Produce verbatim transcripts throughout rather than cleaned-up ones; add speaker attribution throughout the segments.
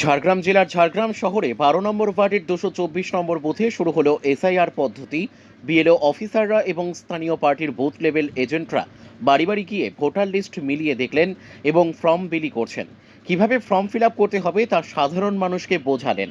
Speaker 1: ঝাড়গ্রাম জেলার ঝাড়গ্রাম শহরে বারো নম্বর ওয়ার্ডের দুশো চব্বিশ নম্বর বুথে শুরু হলো এসআইআর পদ্ধতি। বিএলও অফিসাররা এবং স্থানীয় পার্টির বুথ লেভেল এজেন্টরা বাড়ি বাড়ি গিয়ে ভোটার লিস্ট মিলিয়ে দেখলেন এবং ফর্ম বিলি করছেন। কিভাবে ফর্ম ফিল আপ করতে হবে তা সাধারণ মানুষকে বোঝালেন।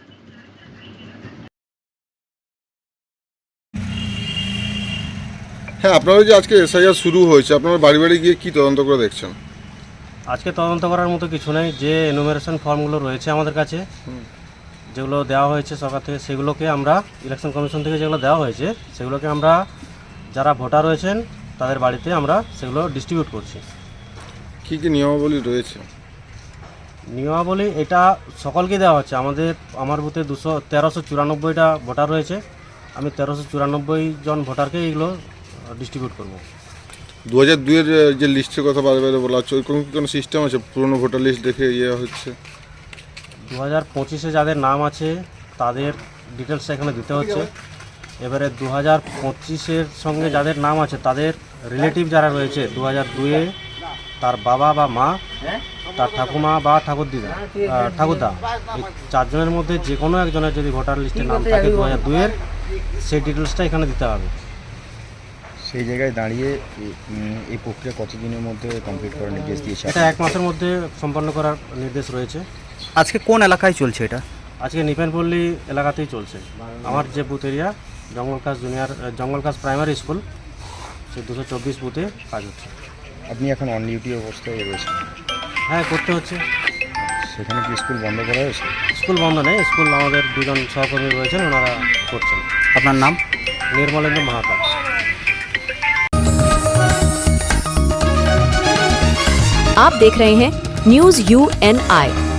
Speaker 2: হ্যাঁ, আপনারা যে আজকে এসআইআর শুরু হয়েছে, আপনারা বাড়ি বাড়ি গিয়ে কি তদন্ত করে দেখছেন?
Speaker 3: আজকে তদন্ত করার মতো কিছু নেই। যে এনুমারেশন ফর্মগুলো রয়েছে আমাদের কাছে, যেগুলো দেওয়া হয়েছে সরকার থেকে, সেগুলোকে আমরা ইলেকশন কমিশন থেকে যেগুলো দেওয়া হয়েছে সেগুলোকে আমরা যারা ভোটার রয়েছেন তাদের বাড়িতে আমরা সেগুলো ডিস্ট্রিবিউট করছি।
Speaker 2: কি কি নিয়মাবলী রয়েছে?
Speaker 3: নিয়মাবলী এটা সকলকে দেওয়া হচ্ছে। আমাদের আমার বুথে দুশো তেরোশো চুরানব্বইটা ভোটার রয়েছে। আমি তেরোশো চুরানব্বই জন ভোটারকে এগুলো ডিস্ট্রিবিউট করবো।
Speaker 2: দু হাজার দুইয়ের যে লিস্টের কথা বারে বারে বলা হচ্ছে, ওই কোনো কি কোনো সিস্টেম আছে? পুরনো ভোটার লিস্ট দেখে ইয়ে হচ্ছে?
Speaker 3: দু হাজার পঁচিশে যাদের নাম আছে তাদের ডিটেলসটা এখানে দিতে হচ্ছে। এবারে দু হাজার পঁচিশের সঙ্গে যাদের নাম আছে তাদের রিলেটিভ যারা রয়েছে দু হাজার দুইয়ে, তার বাবা বা মা, তার ঠাকুমা বা ঠাকুরদিদা ঠাকুরদা, এই চারজনের মধ্যে যে কোনো একজনের যদি ভোটার লিস্টে নাম থাকে দু হাজার দুইয়ের, সেই ডিটেলসটা এখানে দিতে হবে।
Speaker 4: সেই জায়গায় দাঁড়িয়ে এই প্রক্রিয়া কতদিনের মধ্যে কমপ্লিট করার নির্দেশ দিয়েছে?
Speaker 3: এটা এক মাসের মধ্যে সম্পন্ন করার নির্দেশ রয়েছে।
Speaker 5: আজকে কোন এলাকায় চলছে এটা?
Speaker 3: আজকে নিপেনপল্লী এলাকাতেই চলছে। আমার যে বুথ এরিয়া জঙ্গলকাজ জুনিয়র জঙ্গলকাজ প্রাইমারি স্কুল, সেই দুশো চব্বিশ বুথে কাজ হচ্ছে।
Speaker 4: আপনি এখন অন ডিউটি অবস্থায় রয়েছেন?
Speaker 3: হ্যাঁ, করতে হচ্ছে।
Speaker 4: সেখানে কি স্কুল বন্ধ করা হয়েছে?
Speaker 3: স্কুল বন্ধ নেই, স্কুল আমাদের দুজন সহকর্মী রয়েছেন, ওনারা করছেন।
Speaker 5: আপনার নাম?
Speaker 3: নির্মলেন্দু মাহাতো।
Speaker 6: आप देख रहे हैं न्यूज यू एन आई।